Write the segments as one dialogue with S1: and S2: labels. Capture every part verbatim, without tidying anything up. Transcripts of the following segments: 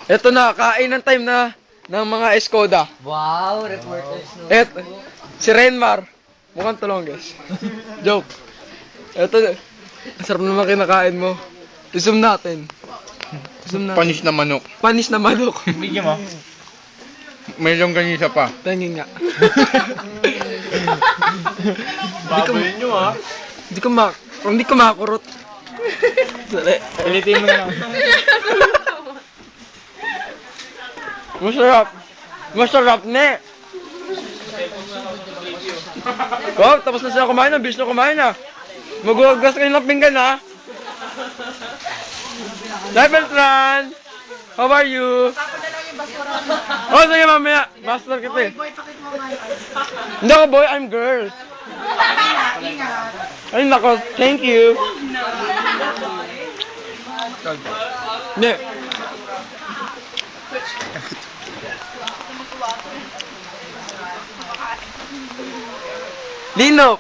S1: Ito na, kain ng time na ng mga Escoda.
S2: Wow, reporters no.
S1: Et, si Renmar. Mukhang tulong, guys. Joke. Ito, sarap naman kinakain mo. Isum natin. Isum natin.
S3: Panis na manok.
S1: Panis na manok.
S3: Bigyan mo. Mayroong ganisa pa.
S1: Tangin nga.
S3: Baboy nyo ah.
S1: Hindi ko mak... Hindi ko makurot. Dali.
S3: Ulitin mo na lang.
S1: Masarap. Masarap, ne. Oh, tapos na sila kumain na. Bis na kumain na. Maghugas kayo ng pinggan, ha? Hi, Beltran! How are you? Oh, sige, mamaya. Master kita eh. Hindi ako boy, I'm girl. Ay, nako. Thank you. Hindi. Lino.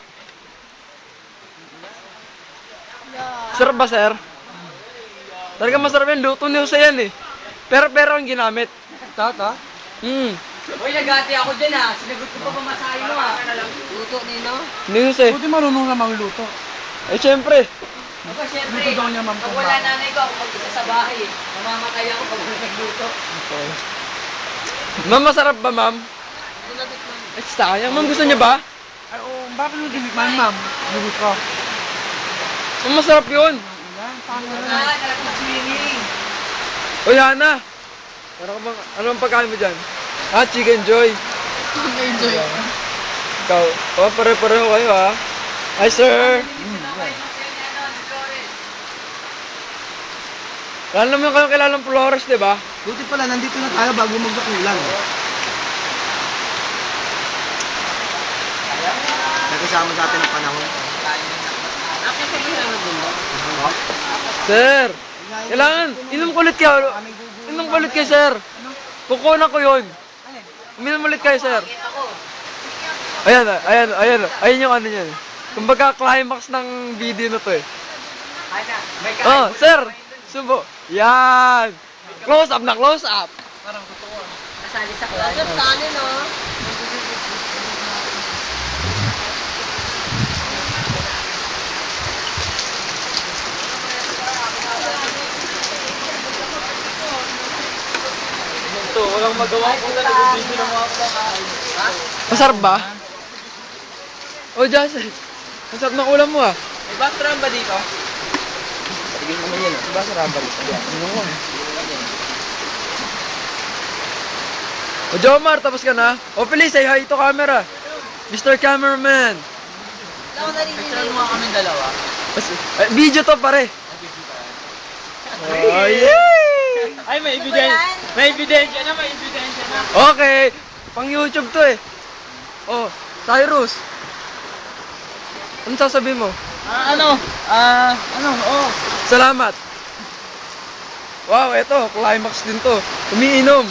S1: Sarap ba, sir? Talaga masarap yan. Luto ni Jose yan eh. Pero pero ang ginamit.
S2: Tata?
S1: Hmm.
S2: Uy, nagati ako dyan ah. Sinagot ko pa pamasahe mo ah. Luto nino.
S1: Ni Jose.
S3: Buti marunong na magluto.
S1: Eh, syempre.
S2: Aba, syempre.
S3: Luto daw niya, ma'am.
S2: Pag wala nanay ko, ako mag-isa sa bahay eh. Mamamatay ako pag wala nagluto.
S1: Ma'am, masarap ba, ma'am?
S2: Sinagot mo.
S1: Eh, sayang. Ma'am, gusto niya ba?
S3: Ay, oh, bakit mo dinikman, ma'am? Lugot ko.
S1: Ma'am, masarap yun.
S3: Ayan, paano
S2: Ah,
S3: na?
S2: nalagpag-swimming.
S1: Uy, Hana. Ano ka bang, ano ang pagkain mo dyan? Ah, Chicken Joy.
S2: Enjoy.
S1: Ikaw. Oh, pare-pareho kayo, ha? Hi, sir. Kala naman kayo kilalang Flores, di ba?
S3: Buti pala, nandito na tayo bago magbakulan. Nagkasama sa atin ng panahon.
S1: Sir, kailangan, inom ko ulit kayo. Inom ko ulit kayo, sir. Kukunan ko yun. Uminom ulit kayo, sir. Ayan, ayan, ayan. Ayan yung ano niyan. Kumbaga, climax ng video na to eh. Oh, sir. Subo. Yan. Close up na, close up.
S2: Nasali sa klase. Lagyan kanin no.
S1: Ito, walang magawa ko na nag-video ng mga kumakain. Masarap ba? Oh, Jason. Masarap ng ulam mo ah.
S2: May bathroom ba dito?
S1: Tigil naman yan. Diba sarap ba dito? Ano mo? O, Jomar, tapos ka na? O, please, say hi to camera. Mister Cameraman.
S2: Wala ko narinig. Mga kami dalawa.
S1: Mas- eh, video to, pare. Oh, yay!
S3: Ay, may ebidensya. May ebidensya na, may ebidensya na.
S1: Okay. Pang YouTube to eh. Oh, Cyrus. Ano sasabihin mo?
S3: Ah, ano? Ah, ano? Oh.
S1: Salamat. Wow, eto, climax din to. Umiinom.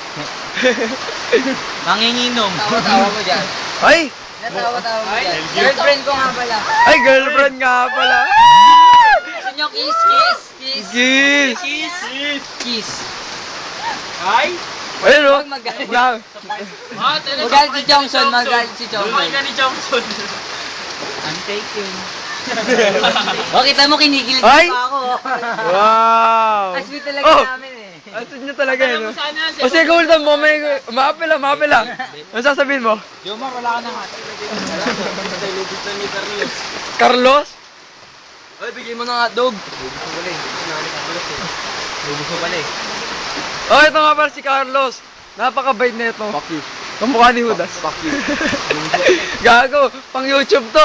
S3: Nanginginom.
S2: Tawa-tawa mo dyan.
S1: Ay!
S2: Natawa-tawa mo dyan. Girlfriend ko nga pala.
S1: Ay, girlfriend nga pala.
S2: Gusto nyo kiss, kiss, kiss.
S1: Kiss!
S2: Kiss. Kiss.
S3: Ay?
S1: Ayun o.
S2: Huwag magalit.
S1: Wala.
S3: Ah,
S2: Magalit si Johnson, magalit si Johnson.
S3: ni Johnson.
S2: I'm taking. O, kita mo kinikilig
S1: Ay!
S2: pa ako.
S1: Wow!
S2: Ang sweet talaga
S1: Oh!
S2: namin eh.
S1: Ang sweet niya talaga eh, no? O sige, hold on mo. May... Maapila, maapila. Ano sasabihin mo?
S3: Jomar, wala ka na nga. Lubos na ni Carlos.
S1: Carlos?
S3: Ay, bigay mo na nga, dog. Lubos mo pala eh. Lubos mo pala eh.
S1: Oh, ito nga pala si Carlos. Napakabait na ito.
S3: Fuck you.
S1: Kamukha ni Judas.
S3: Fuck you.
S1: Gago, pang YouTube to.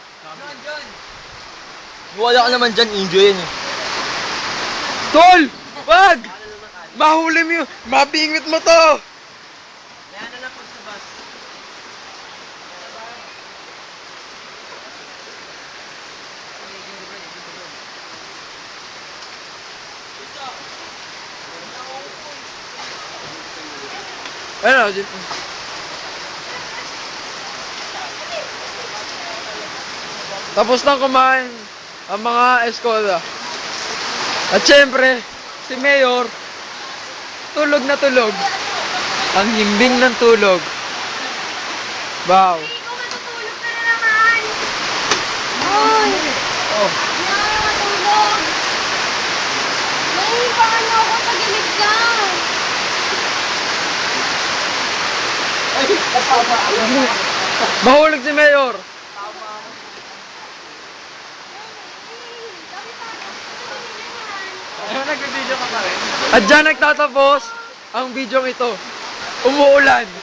S3: Wala ka naman dyan, enjoy yan eh.
S1: Tol! Wag! Mahuli mo yun. Mabingit mo to.
S2: Yan na lang pag sa bus.
S1: Ano, dito. Tapos nang kumain ang mga Escoda. At syempre, si Mayor, Tulog na tulog. Ang himbing ng tulog. Wow.
S4: Ikaw matutulog ka na naman. Hoy!
S3: Oh.
S4: Hindi ako na matulog. Naiibangan mo ako sa gilid ka.
S3: Ay, napapa.
S1: Mahulog si Mayor.
S3: Ano, nag-video ka pa rin?
S1: At dyan nagtatapos ang video ito. Umuulan.